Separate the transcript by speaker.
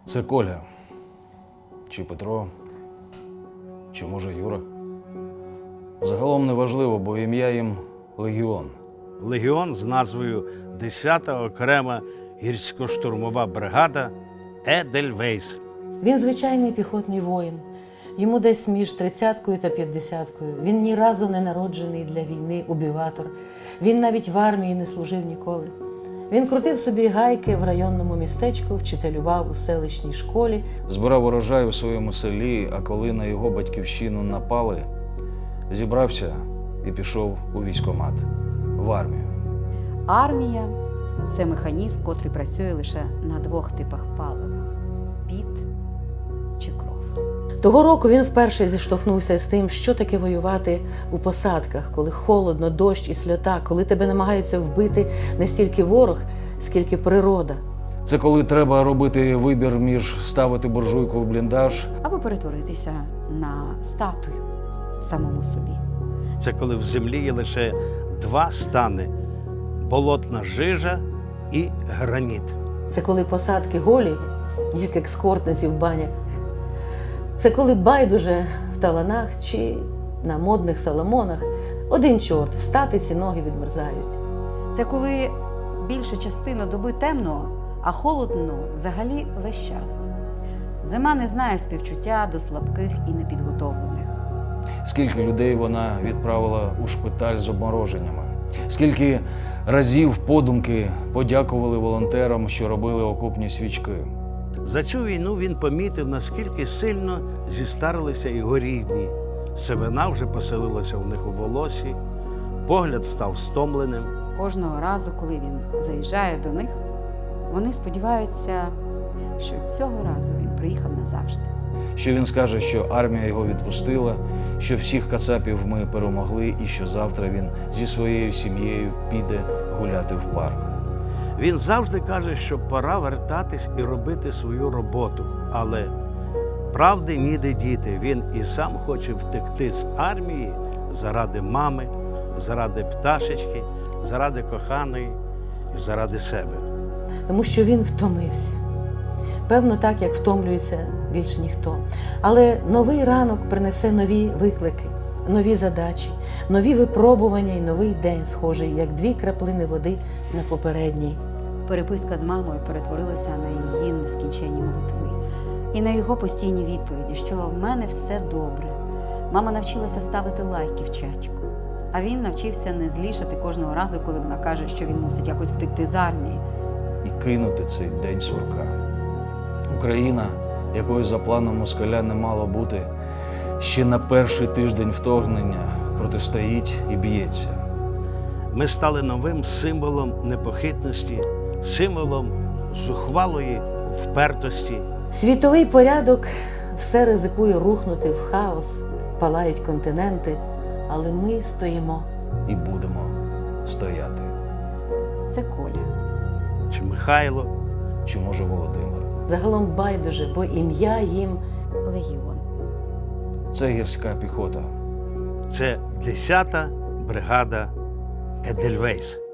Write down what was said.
Speaker 1: Це Коля. Чи Петро, чи може Юра. Загалом не важливо, бо ім'я їм Легіон.
Speaker 2: Легіон з назвою 10-та окрема гірсько-штурмова бригада Едельвейс.
Speaker 3: Він звичайний піхотний воїн. Йому десь між 30-кою та 50-кою. Він ні разу не народжений для війни убіватор. Він навіть в армії не служив ніколи. Він крутив собі гайки в районному містечку, вчителював у селищній школі.
Speaker 1: Збирав урожай у своєму селі, а коли на його батьківщину напали, зібрався і пішов у військкомат, в армію.
Speaker 4: Армія – це механізм, котрий працює лише на двох типах палива – піт чи кров.
Speaker 3: Того року він вперше зіштовхнувся з тим, що таке воювати у посадках, коли холодно, дощ і сльота, коли тебе намагаються вбити не стільки ворог, скільки природа.
Speaker 1: Це коли треба робити вибір між ставити буржуйку в бліндаж
Speaker 4: Або перетворитися на статую самому собі.
Speaker 2: Це коли в землі є лише два стани – болотна жижа і граніт.
Speaker 3: Це коли посадки голі, як екскортниці в банях. Це коли байдуже в таланах чи на модних соломонах один чорт, встати ці ноги відмерзають.
Speaker 4: Це коли більшу частину доби темно, а холодно взагалі весь час. Зима не знає співчуття до слабких і непідготовлених.
Speaker 1: скільки людей вона відправила у шпиталь з обмороженнями, скільки разів подумки подякували волонтерам, що робили окопні свічки.
Speaker 2: За цю війну він помітив, наскільки сильно зістарилися його рідні. Сивина вже поселилася у них у волосі, погляд став стомленим.
Speaker 4: Кожного разу, коли він заїжджає до них, вони сподіваються, що цього разу він приїхав назавжди.
Speaker 1: Що він скаже, що армія його відпустила, що всіх кацапів ми перемогли і що завтра він зі своєю сім'єю піде гуляти в парк.
Speaker 2: Він завжди каже, що пора вертатись і робити свою роботу. Але правди ніде діти. Він і сам хоче втекти з армії заради мами, заради пташечки, заради коханої і заради себе.
Speaker 3: Тому що він втомився. Певно, так, як втомлюється більше ніхто. Але новий ранок принесе нові виклики, нові задачі, нові випробування і новий день, схожий, як дві краплини води на попередній.
Speaker 4: Переписка з мамою перетворилася на її нескінченні молитви. І на його постійні відповіді, що в мене все добре. Мама навчилася ставити лайки в чатіку. А він навчився не злішати кожного разу, коли вона каже, що він мусить якось втекти з армії.
Speaker 1: І кинути цей день сурка. Україна, якою за планом москаля не мало бути, ще на перший тиждень вторгнення протистоїть і б'ється.
Speaker 2: Ми стали новим символом непохитності, символом зухвалої впертості.
Speaker 3: Світовий порядок все ризикує рухнути в хаос, палають континенти, але ми стоїмо.
Speaker 1: І будемо стояти.
Speaker 4: Це Коля.
Speaker 2: Чи Михайло,
Speaker 1: Чи може Володимир?
Speaker 3: Загалом байдуже, бо ім'я їм
Speaker 4: Легіон.
Speaker 1: Це гірська піхота.
Speaker 2: це 10-та бригада Едельвейс.